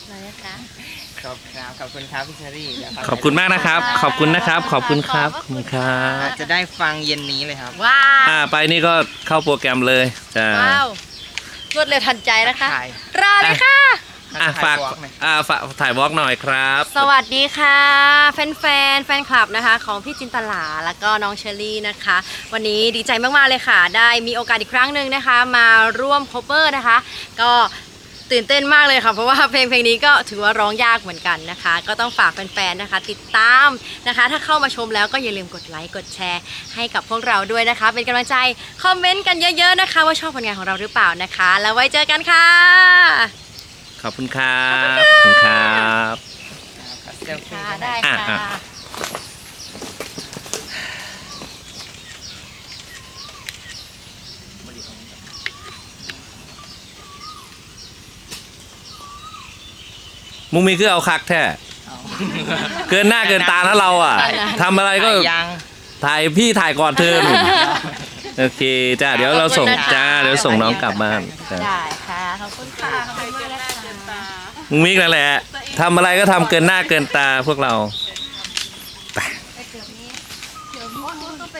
นะคะครับขอบคุณครับพี่เชอรี่ขอบคุณมากนะครับขอบคุณนะครับขอบคุณครับขอบคุณครับจะได้ฟังเย็นนี้เลยครับว้าวไปนี่ก็เข้าโปรแกรมเลยจ้าว้าวรวดเร็วทันใจนะคะถ่ายรอเลยค่ะฝากฝากถ่ายวอล์กหน่อยครับสวัสดีค่ะแฟนคลับนะคะของพี่จินตลาแล้วก็น้องเชอรี่นะคะ วันนี้ดีใจมากๆเลยค่ะ ได้มีโอกาสอีกครั้งหนึ่งนะคะ มาร่วม cover นะคะ ก็ตื่นเต้นมากเลยค่ะเพราะว่าเพลงนี้ก็ถือว่าร้องยากเหมือนกันนะคะ ก็ต้องฝากแฟนๆนะคะ ติดตามนะคะ ถ้าเข้ามาชมแล้วก็อย่าลืมกดไลค์กดแชร์ให้กับพวกเราด้วยนะคะ เป็นกำลังใจคอมเมนต์กันเยอะๆนะคะ ว่าชอบผลงานของเราหรือเปล่านะคะ แล้วไว้เจอกันค่ะขอบคุณครับขอบคุณครับเซลฟี่ค่ะได้อ่ะค่ะมุงมีคือเอาคักแท้เกินหน้าเกินตานะเราอ่ะทำอะไรก็ยังถ่ายพี่ถ่ายก่อนเธอหนุ่มโอเคจ้าเดี๋ยวเราส่งจ้าเดี๋ยวส่งน้องกลับบ้านจ้าได้ค่ะขอบคุณค่ะขอบคุณมากนะคะมุงมิกนั่นแหละทำอะไรก็ทำเกินหน้าเกินตาพวกเราใ